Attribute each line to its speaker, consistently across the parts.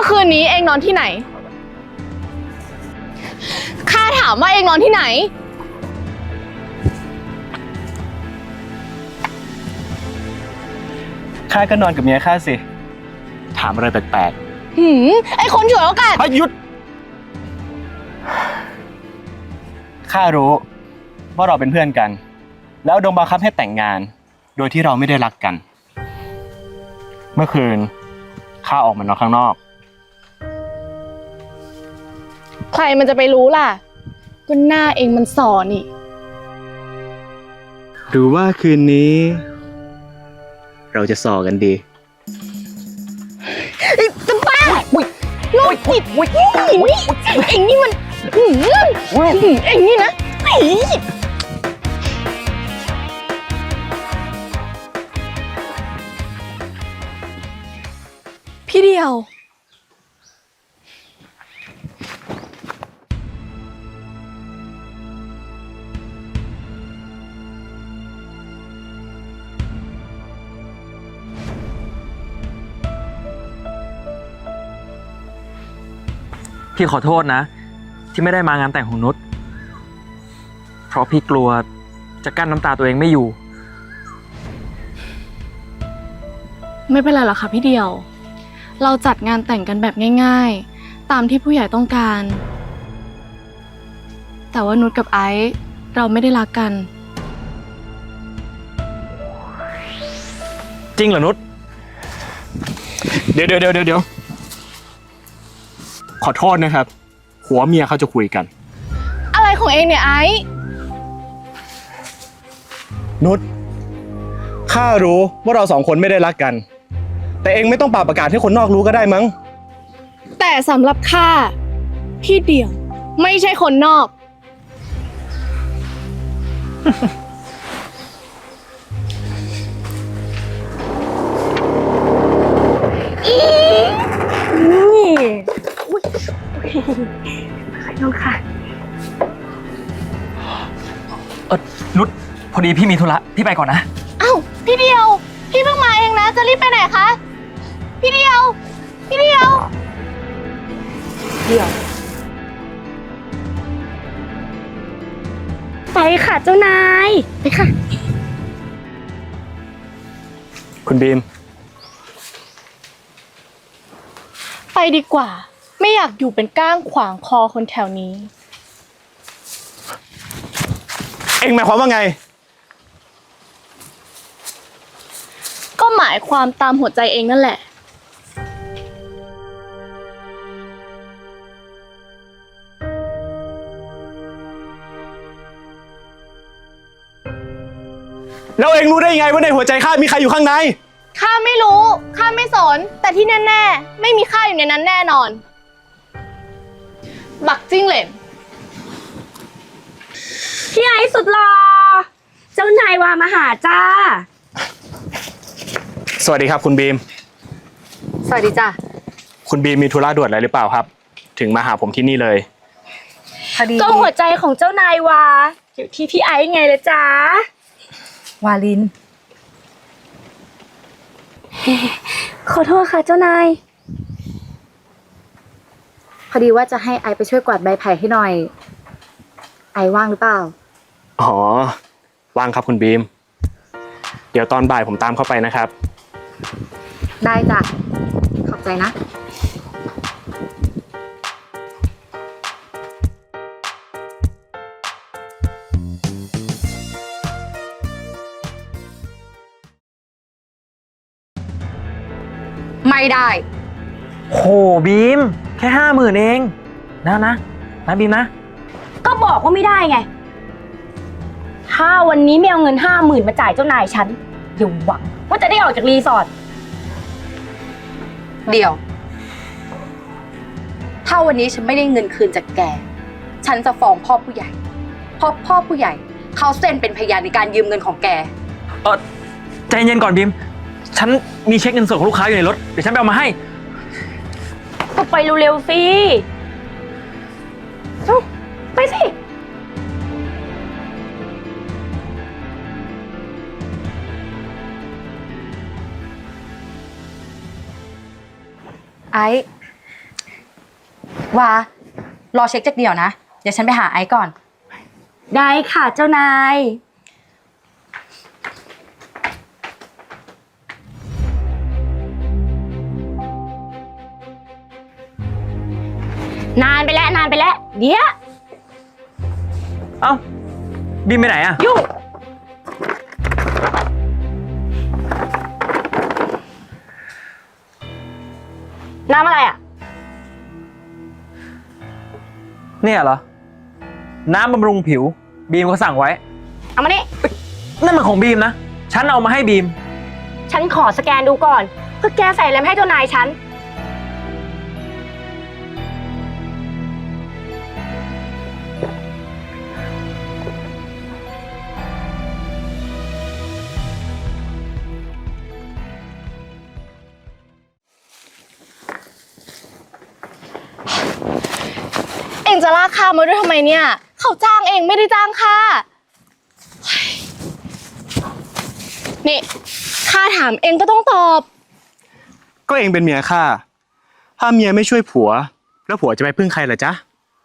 Speaker 1: อคืนนี้เองนอนที่ไหนข้าถามว่าเองนอนที่ไหน
Speaker 2: ข้าก็นอนกับเมียข้าสิถามอะไรแปลก
Speaker 1: ไอคนฉวยโอกาส
Speaker 2: ๆหยุดข้ารู้ว่าเราเป็นเพื่อนกันแล้วโดนบังคับให้แต่งงานโดยที่เราไม่ได้รักกันเมื่อคืนข้าออกมานอนข้างนอก
Speaker 1: ใครมันจะไปรู้ล่ะก็หน้าเองมันส่อนี่
Speaker 2: หรือว่าคืนนี้ เราจะส่อกันดี
Speaker 1: จะบ้าโรคจิตเอ็งนี่มันเอ็งนี่นะพี่เดียว
Speaker 3: พี่ขอโทษนะที่ไม่ได้มางานแต่งของนุชเพราะพี่กลัวจะกั้นน้ำตาตัวเองไม่อยู่
Speaker 1: ไม่เป็นไรหรอกค่ะพี่เดียวเราจัดงานแต่งกันแบบง่ายๆตามที่ผู้ใหญ่ต้องการแต่ว่านุชกับไอซ์เราไม่ได้รักกัน
Speaker 3: จริงเหรอนุช
Speaker 2: เดี๋ยวขอโทษนะครับผัวเมียเขาจะคุยกัน
Speaker 1: อะไรของเองเนี่ยไอซ์
Speaker 2: นุชข้ารู้ว่าเราสองคนไม่ได้รักกันแต่เองไม่ต้องป่าประกาศให้คนนอกรู้ก็ได้มั้ง
Speaker 1: แต่สำหรับข้าพี่เดียวไม่ใช่คนนอก
Speaker 3: นุชนุชพอดีพี่มีธุระพี่ไปก่อนนะ
Speaker 1: อ้าวพี่เดียวพี่เพิ่งมาเองนะจะรีบไปไหนคะพี่เดียว
Speaker 4: ไปค่ะเจ้านายไปค่ะ
Speaker 2: คุณบีม
Speaker 1: ไปดีกว่าไม่อยากอยู่เป็นก้างขวางคอคนแถวนี้
Speaker 2: เอ็งหมายความว่าไง
Speaker 1: ก็หมายความตามหัวใจเองนั่นแหละ
Speaker 2: แล้วเอ็งรู้ได้ยังไงว่าในหัวใจข้ามีใครอยู่ข้างใน
Speaker 1: ข้าไม่รู้ข้าไม่สนแต่ที่แน่ๆไม่มีข้าอยู่ในนั้นแน่นอนบักจิ้งเหลน
Speaker 4: พี่ไอ้สุดหล่อเจ้านายวามาหาจ้า
Speaker 2: สวัสดีครับคุณบีม
Speaker 4: สวัสดีจ้า
Speaker 2: คุณบีมมีธุระด่วนอะไรหรือเปล่าครับถึงมาหาผมที่นี่เลย
Speaker 4: ก็หัวใจของเจ้านายวาอยู่ที่พี่ไอ้ไงเลยจ้าวาลินขอโทษค่ะเจ้านายพอดีว่าจะให้ไอไปช่วยกวาดใบไผ่ให้หน่อยไอว่างหรือเปล่า
Speaker 2: อ๋อว่างครับคุณบีมเดี๋ยวตอนบ่ายผมตามเข้าไปนะครับ
Speaker 4: ได้จ้ะขอบใจนะไม่ได้
Speaker 3: โหบีมแค่50,000เองนะบีมนะ
Speaker 4: ก็บอกว่าไม่ได้ไงถ้าวันนี้ไม่เอาเงิน50,000มาจ่ายเจ้านายฉันอย่าหวังว่าจะได้ออกจากรีสอร์ท
Speaker 5: เดี๋ยวถ้าวันนี้ฉันไม่ได้เงินคืนจากแกฉันจะฟ้องพ่อผู้ใหญ่เพราะพ่อผู้ใหญ่เขาเซ็นเป็นพยานในการยืมเงินของแก
Speaker 3: ใจเย็นก่อนบีมฉันมีเช็คเงินสดของลูกค้าอยู่ในรถเดี๋ยวฉันไปเอามาให้
Speaker 4: ก็ไปเร็วๆสิไปสิ
Speaker 5: ไอ้ว่ารอเช็คจากเดี่ยวนะ เดี๋ยวฉันไปหาไอซ์ก่อน
Speaker 4: ได้ค่ะเจ้านาย นานไปแล้ว เดี๋ยว
Speaker 3: เอ้า บีมไปไหนอะ
Speaker 4: ยุ่ง น้ำอะไรอ่ะ
Speaker 3: เนี่ยเหรอ น้ำบำรุงผิว บีมก็สั่งไว้
Speaker 4: เอามานี่
Speaker 3: นั่นมันของบีมนะ ฉันเอามาให้บีม
Speaker 4: ฉันขอสแกนดูก่อนเพื่อแกใส่อะไรมาให้เจ้านายฉัน
Speaker 1: เองจะลากข้ามาด้วยทำไมเนี่ย เขาจ้างเองไม่ได้จ้างข้าเฮ้ยนี่ข้าถามเองก็ต้องตอบ
Speaker 2: ก็เองเป็นเมียข้า ถ้าเมียไม่ช่วยผัว แล้วผัวจะไปพึ่งใครล่ะจ๊ะ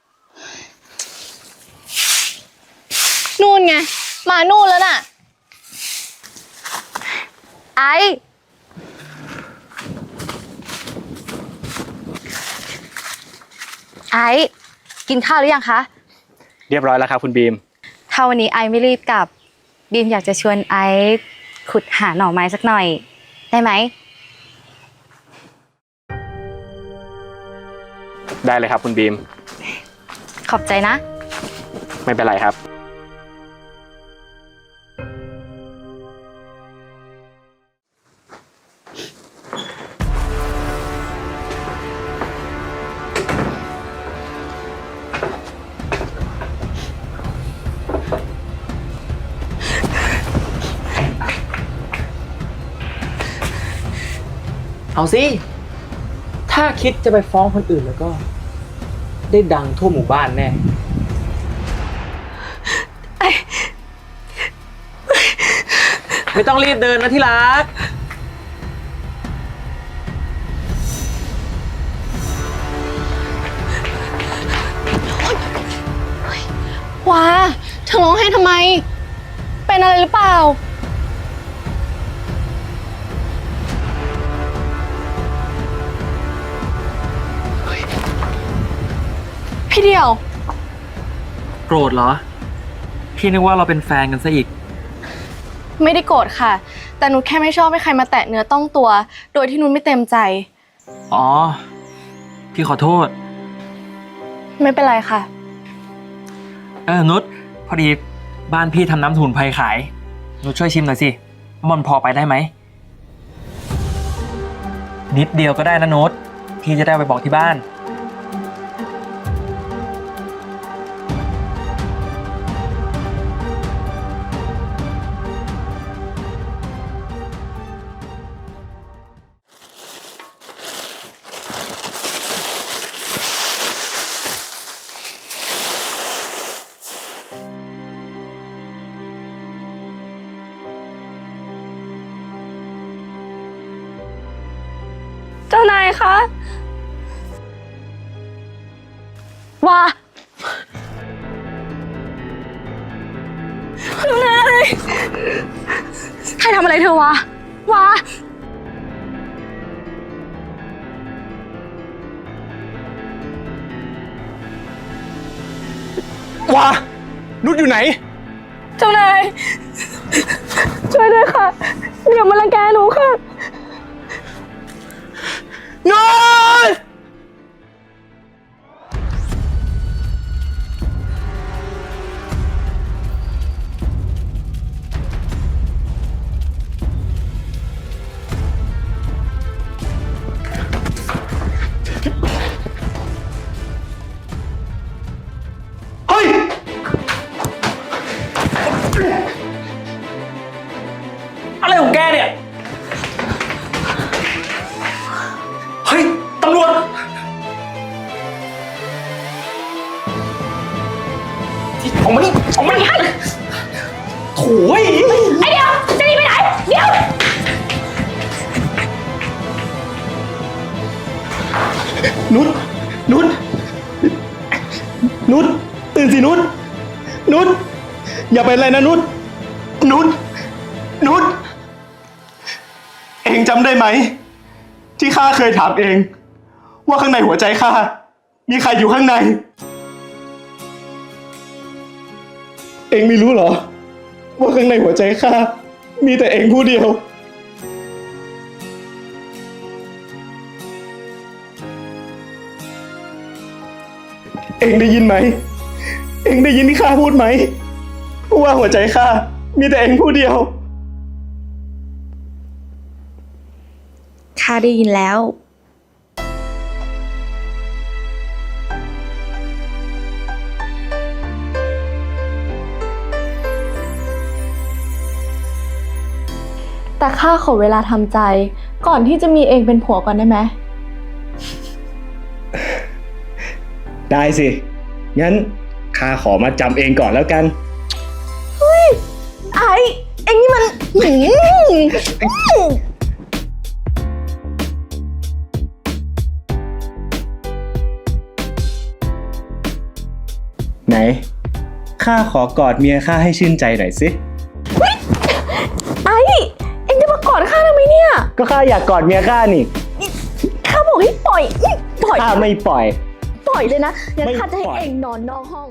Speaker 1: นู่นไง มานู่นแล้วน่ะ
Speaker 5: ไอซ์ไอซ์กินข้าวหรือยังคะ
Speaker 2: เรียบร้อยแล้วครับคุณบีม
Speaker 5: ถ้าวันนี้ไอซ์ไม่รีบกลับ บีมอยากจะชวนไอซ์ขุดหาหน่อไม้สักหน่อย ได้ไหม
Speaker 2: ได้เลยครับคุณบีม
Speaker 5: ขอบใจนะ
Speaker 2: ไม่เป็นไรครับ
Speaker 3: เอาสิ ถ้าคิดจะไปฟ้องคนอื่นแล้วก็ ได้ดังทั่วหมู่บ้านแน่ ไม่ต้องรีบเดินนะที่รัก
Speaker 1: ว้าเธอร้องไห้ทำไม เป็นอะไรหรือเปล่า พี่เดียว
Speaker 3: โกรธเหรอ พี่นึกว่าเราเป็นแฟนกันซะอีก
Speaker 1: ไม่ได้โกรธค่ะ แต่นุชแค่ไม่ชอบให้ใครมาแตะเนื้อต้องตัว โดยที่นุชไม่เต็มใจ
Speaker 3: อ๋อ พี่ขอโทษ
Speaker 1: ไม่เป็นไรค่ะ
Speaker 3: นุชพอดีบ้านพี่ทำน้ำสมุนไพรขาย นุชช่วยชิมหน่อยสิมันพอไปได้ไหม นิดเดียวก็ได้นะนุชพี่จะได้เอาไปบอกที่บ้าน
Speaker 4: เจ้านายคะ
Speaker 5: ว่า
Speaker 4: เจ้านาย
Speaker 5: ใครทำอะไรเธอวะวะ
Speaker 2: ว้า นุชอยู่ไหน
Speaker 4: เจ้านาย ช่วยด้วยค่ะอย่ามารังแกหนูค่ะ
Speaker 2: นุช เฮ้ย
Speaker 3: อะไรของแกเนี่ย เฮ้ย ตำรวจ ออกมานี่ออกมานี่ให้โถ่ย
Speaker 4: ไอเดียวจะหนีไปไหน เดี๋ยว
Speaker 2: นุชนุชนุชตื่นสินุชนุชอย่าเป็นไรนะนุชนุชนุชเองจำได้ไหม ที่ข้าเคยถามเอง ว่าข้างในหัวใจข้ามีใครอยู่ข้างใน เองไม่รู้เหรอ ว่าข้างในหัวใจข้ามีแต่เองผู้เดียว เองได้ยินไหม เองได้ยินที่ข้าพูดไหม ว่าหัวใจข้ามีแต่เองผู้เดียว
Speaker 4: ข้าได้ยินแล้ว
Speaker 1: แต่ข้าขอเวลาทำใจ ก่อนที่จะมีเองเป็นผัวก่อนได้ไหม
Speaker 2: ได้สิ งั้นข้าขอมาจำเองก่อนแล้วกัน
Speaker 4: ไอ้เอ็งนี่มัน
Speaker 2: ไหน ข้าขอกอดเมียข้าให้ชื่นใจหน่อยสิ
Speaker 4: ไอ้เอ็งจะมากอดข้าทำไมเนี่ย
Speaker 2: ก็ข้าอยากกอดเมียข้านี่
Speaker 4: ข้าบอกให้ปล่อยปล่อย
Speaker 2: ข้าไม่ปล่อย
Speaker 4: ปล่อยเลยนะงั้น
Speaker 2: ไม่
Speaker 4: ข้าจะให้
Speaker 2: ปล่อย
Speaker 4: เอ็งนอนนอกห้อง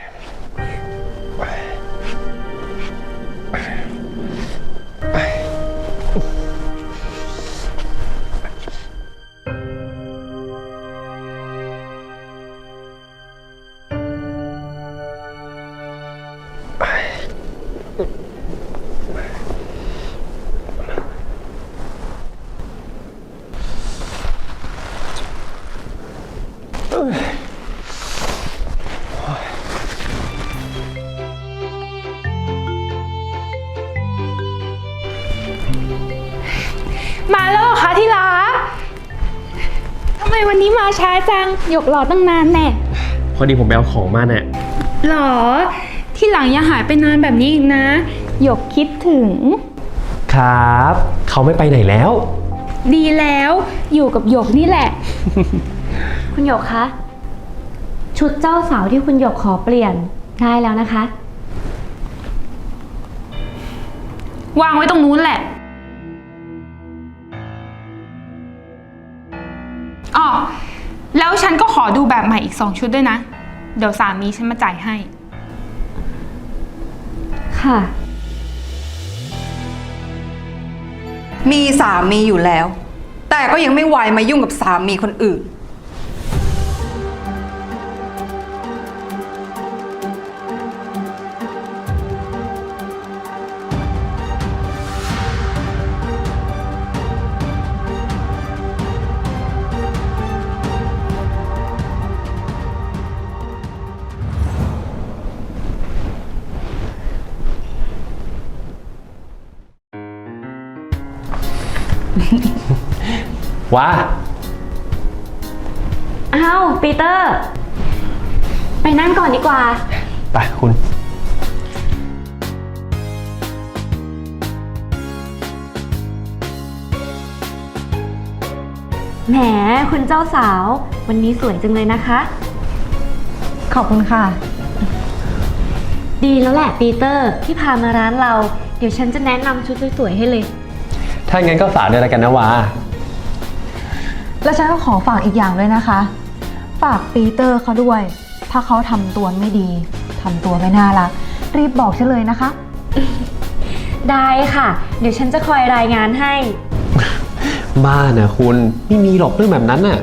Speaker 6: มาแล้วเหรอคะที่รักทำไมวันนี้มาช้าจังหยกรอตั้งนานแน่
Speaker 3: พอดีผมไปเอาของมาเนี่ย
Speaker 6: หรอ ที่หลังอย่าหายไปนานแบบนี้อีกนะหยกคิดถึง
Speaker 7: ครับ เขาไม่ไปไหนแล้ว
Speaker 6: ดีแล้วอยู่กับหยกนี่แหละ
Speaker 4: คุณหยกคะ ชุดเจ้าสาวที่คุณหยกขอเปลี่ยนได้แล้วนะคะ
Speaker 6: วางไว้ตรงนู้นแหละอ๋อแล้วฉันก็ขอดูแบบใหม่อีก2 ชุดด้วยนะ เดี๋ยวสามีฉันมาจ่ายให้
Speaker 4: ค่ะ
Speaker 5: มีสามีอยู่แล้ว แต่ก็ยังไม่ไวมายุ่งกับสามีคนอื่น
Speaker 7: ว้า
Speaker 4: อ้าวปีเตอร์ ไปนั่งก่อนดีกว่า
Speaker 7: ไปคุณ
Speaker 4: แหมคุณเจ้าสาว วันนี้สวยจังเลยนะคะ
Speaker 1: ขอบคุณค่ะ
Speaker 4: ดีแล้วแหละปีเตอร์ที่พามาร้านเรา เดี๋ยวฉันจะแนะนำชุดสวยๆให้เลย
Speaker 7: ถ้างั้นก็ฝากด้วยแล้วกันนะวา
Speaker 8: แล้วฉันก็ขอฝากอีกอย่างด้วยนะคะ ฝากปีเตอร์เขาด้วย ถ้าเขาทำตัวไม่ดีทำตัวไม่น่ารัก รีบบอกฉันเลยนะคะ
Speaker 4: ได้ค่ะ เดี๋ยวฉันจะคอยรายงานให้
Speaker 7: บ้านะคุณไม่มีหรอกเรื่องแบบนั้นน่ะ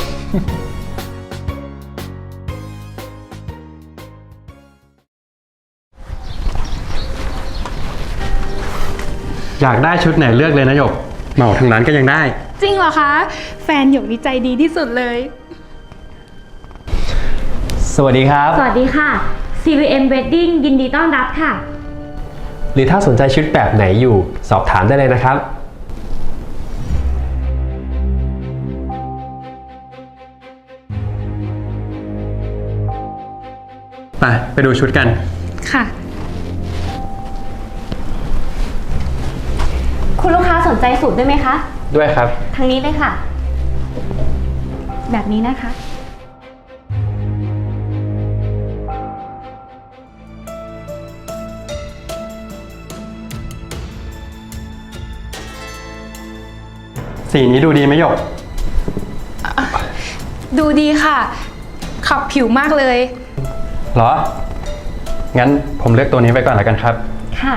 Speaker 9: อยากได้ชุดไหนเลือกเลยนะหยกเหมาทางร้านก็ยังได้
Speaker 6: จริงเหรอคะ แฟนหยกนี่ใจดีที่สุดเลย
Speaker 7: สวัสดีครับ
Speaker 4: สวัสดีค่ะ CVM Wedding ยินดีต้อนรับค่ะ
Speaker 7: หรือถ้าสนใจชุดแบบไหนอยู่สอบถามได้เลยนะครับ
Speaker 9: ไปดูชุดกัน
Speaker 6: ค่ะ
Speaker 4: คุณลูกค้าสนใจสูตรด้วยไหมคะ
Speaker 7: ด้วยครับ
Speaker 4: ทางนี้เลยค่ะ แบบนี้นะคะ
Speaker 9: สีนี้ดูดีไหมหยก
Speaker 6: ดูดีค่ะ ขับผิวมากเลย
Speaker 9: เหรอ งั้นผมเลือกตัวนี้ไปก่อนแล้วกันครับ
Speaker 4: ค่ะ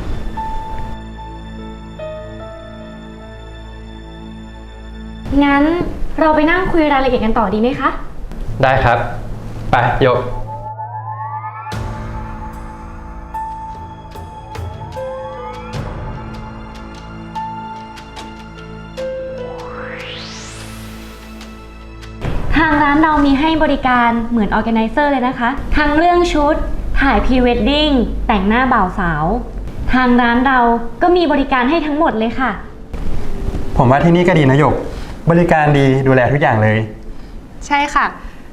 Speaker 4: งั้นเราไปนั่งคุยรายละเอียดกันต่อดีไหมคะ
Speaker 9: ได้ครับ ไปหยก
Speaker 4: ทางร้านเรามีให้บริการเหมือนออแกไนเซอร์เลยนะคะ ทั้งเรื่องชุด ถ่ายพรีเวดดิ้ง แต่งหน้าบ่าวสาว ทางร้านเราก็มีบริการให้ทั้งหมดเลยค่ะ
Speaker 9: ผมว่าที่นี่ก็ดีนะหยก บริการดีดูแลทุกอย่างเลย
Speaker 6: ใช่ค่ะ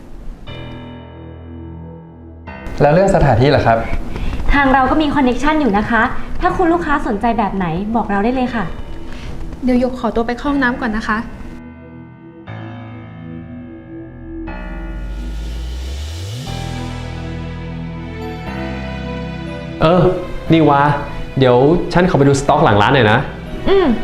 Speaker 9: แล้วเรื่องสถานที่ล่ะครับ
Speaker 4: ทางเราก็มีคอนเน็กชันอยู่นะคะ ถ้าคุณลูกค้าสนใจแบบไหนบอกเราได้เลยค่ะ
Speaker 6: เดี๋ยวหยกขอตัวไปเข้าห้องน้ำก่อนนะคะ
Speaker 7: นี่วะเดี๋ยวฉันขอไปดูสต็อกหลังร้านหน่อยนะ
Speaker 4: อืม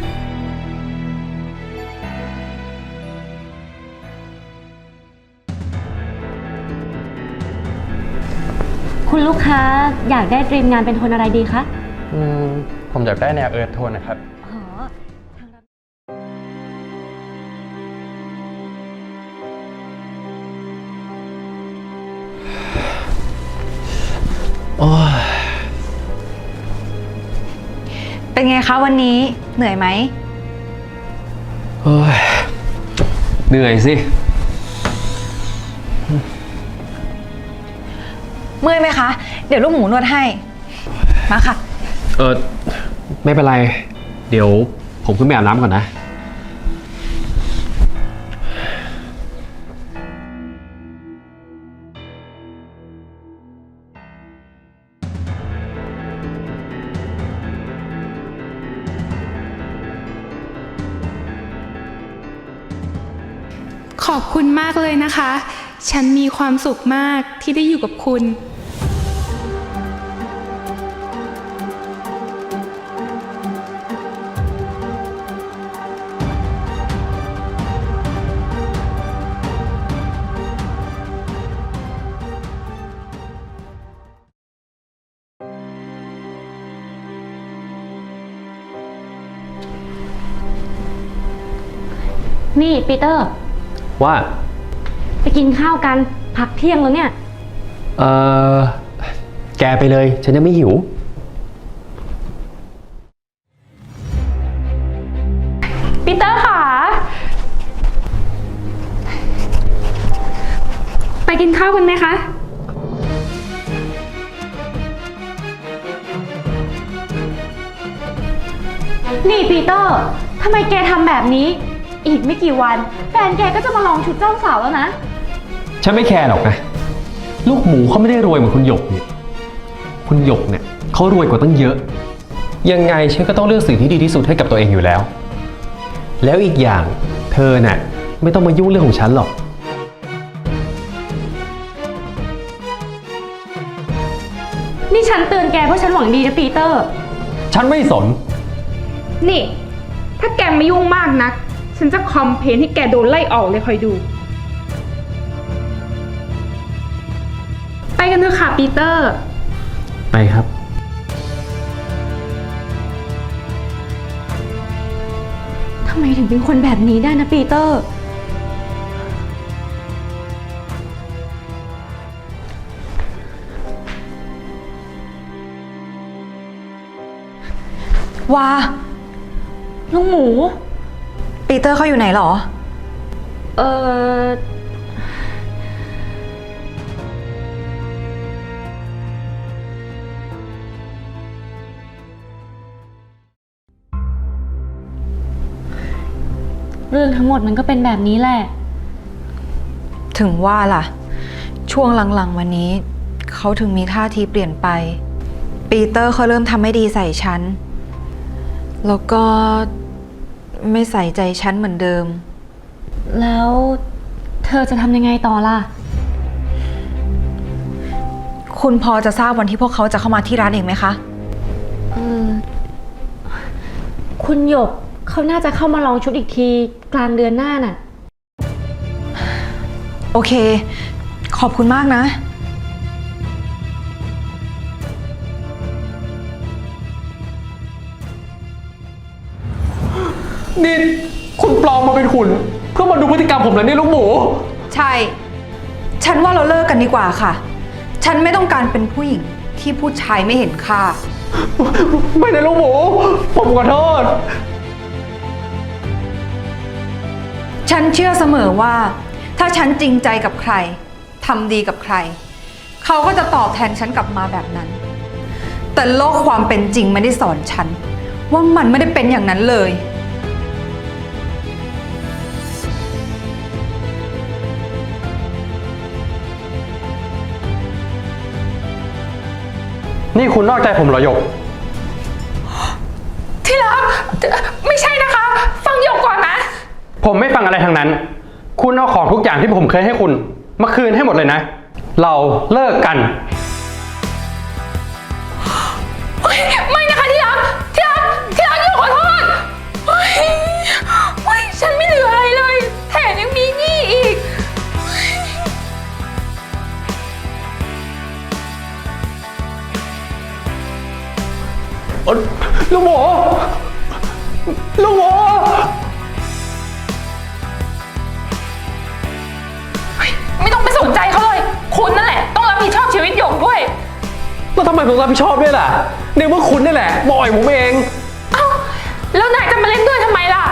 Speaker 4: คุณลูกค้าอยากได้ดรีมงานเป็นโทนอะไรดีคะ
Speaker 9: ผมอยากได้แนวเอิร์ธโทนนะครับ
Speaker 4: อ๋อทางร้าน
Speaker 8: เป็นไงคะวันนี้เหนื่อยไหม
Speaker 7: เหนื่อยสิ
Speaker 8: เมื่อยไหมคะ เดี๋ยวลูกหมูนวดให้ มาค่ะ
Speaker 7: ไม่เป็นไร เดี๋ยวผมขึ้นไปอาบน้ำก่อนนะ
Speaker 6: ขอบคุณมากเลยนะคะ ฉันมีความสุขมากที่ได้อยู่กับคุณ
Speaker 4: นี่ปีเตอร์
Speaker 7: ว่า
Speaker 4: ไปกินข้าวกัน พักเที่ยงแล้วเนี่ย
Speaker 7: แกไปเลย ฉันยังไม่หิว
Speaker 6: ปีเตอร์ค่ะ ไปกินข้าวกันไหมคะ
Speaker 4: นี่ปีเตอร์ทำไมแกทำแบบนี้ อีกไม่กี่วัน แฟนแกก็จะมาลองชุดเจ้าสาวแล้วนะ
Speaker 7: ฉันไม่แคร์หรอกนะ ลูกหมูเขาไม่ได้รวยเหมือนคุณหยกเนี่ย คุณหยกเนี่ยเขารวยกว่าตั้งเยอะ ยังไงฉันก็ต้องเลือกสิ่งที่ดีที่สุดให้กับตัวเองอยู่แล้ว แล้วอีกอย่างเธอน่ะไม่ต้องมายุ่งเรื่องของฉันหรอก
Speaker 4: นี่ฉันเตือนแกเพราะฉันหวังดีนะปีเตอร์
Speaker 7: ฉันไม่สน
Speaker 6: นี่ ถ้าแกไม่ยุ่งมากนัก ฉันจะคอมเพลนให้แกโดนไล่ออกเลยคอยดู ไปกันเถอะค่ะปีเตอร์
Speaker 7: ไปครับ
Speaker 4: ทำไมถึงเป็นคนแบบนี้ได้นะปีเตอร์
Speaker 8: ว้า
Speaker 4: ลูกหมู
Speaker 8: ปีเตอร์เขาอยู่ไหนหรอ
Speaker 4: เออเรื่องทั้งหมดมันก็เป็นแบบนี้แหละ
Speaker 8: ถึงว่าล่ะ ช่วงหลังๆวันนี้เขาถึงมีท่าทีเปลี่ยนไป ปีเตอร์เขาเริ่มทำไม่ดีใส่ฉัน แล้วก็ไม่ใส่ใจฉันเหมือนเดิม
Speaker 4: แล้วเธอจะทำยังไงต่อล่ะ
Speaker 8: คุณพอจะทราบวันที่พวกเขาจะเข้ามาที่ร้านเองไหมคะ
Speaker 4: คุณหยกเขาน่าจะเข้ามาลองชุดอีกทีกลางเดือนหน้าน่ะ
Speaker 8: โอเค ขอบคุณมากนะ
Speaker 7: นี่คุณปลอมมาเป็นหุ่นเพื่อมาดูพฤติกรรมผมแล้วนี่ลูกหมู
Speaker 8: ใช่ ฉันว่าเราเลิกกันดีกว่าค่ะ ฉันไม่ต้องการเป็นผู้หญิงที่ผู้ชายไม่เห็นค่า
Speaker 7: ไม่นะลูกหมู ผมขอโทษ
Speaker 8: ฉันเชื่อเสมอว่า ถ้าฉันจริงใจกับใครทำดีกับใคร เขาก็จะตอบแทนฉันกลับมาแบบนั้น แต่โลกความเป็นจริงไม่ได้สอนฉัน ว่ามันไม่ได้เป็นอย่างนั้นเลย
Speaker 7: นี่คุณนอกใจผมเหรอหยก
Speaker 6: ที่รักไม่ใช่นะคะ ฟังหยกก่อนนะ
Speaker 7: ผมไม่ฟังอะไรทั้งนั้น คุณเอาของทุกอย่างที่ผมเคยให้คุณมาคืนให้หมดเลยนะ เราเลิกกัน
Speaker 6: ไม่นะคะที่รักหยกขอโทษเฮ้ยฉันไม่เหลืออะไรเลย แถมยังมีหนี้อีก
Speaker 7: ลูกหมู ลูกหมู
Speaker 6: ไม่ต้องไปสนใจเขาเลย คุณนั่นแหละ ต้องรับผิดชอบชีวิตหยกด้วย
Speaker 7: แล้วทำไมผมรับผิดชอบด้วยล่ะในเมื่อคุณนี่แหละมาอ่อยผมเอง
Speaker 6: เอ้า แล้วนายจะมาเล่นด้วยทำไมล่ะ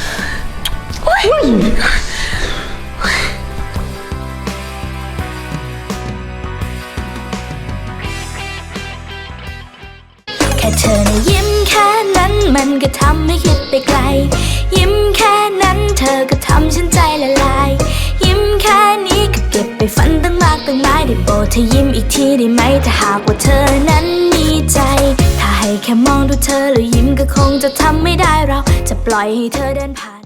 Speaker 10: แค่เธอนะยิ้มแค่นั้นมันก็ทำให้คิดไปไกล ยิ้มแค่นั้นเธอก็ทำฉันใจละลาย ยิ้มแค่นี้ก็เก็บไปฝันตั้งมากตั้งหลายได้โปรดเธอยิ้มอีกทีได้ไหมถ้าหากว่าเธอนั้นมีใจ ถ้าให้แค่มองดูเธอแล้วยิ้มก็คงจะทำไม่ได้เราจะปล่อยให้เธอเดินผ่าน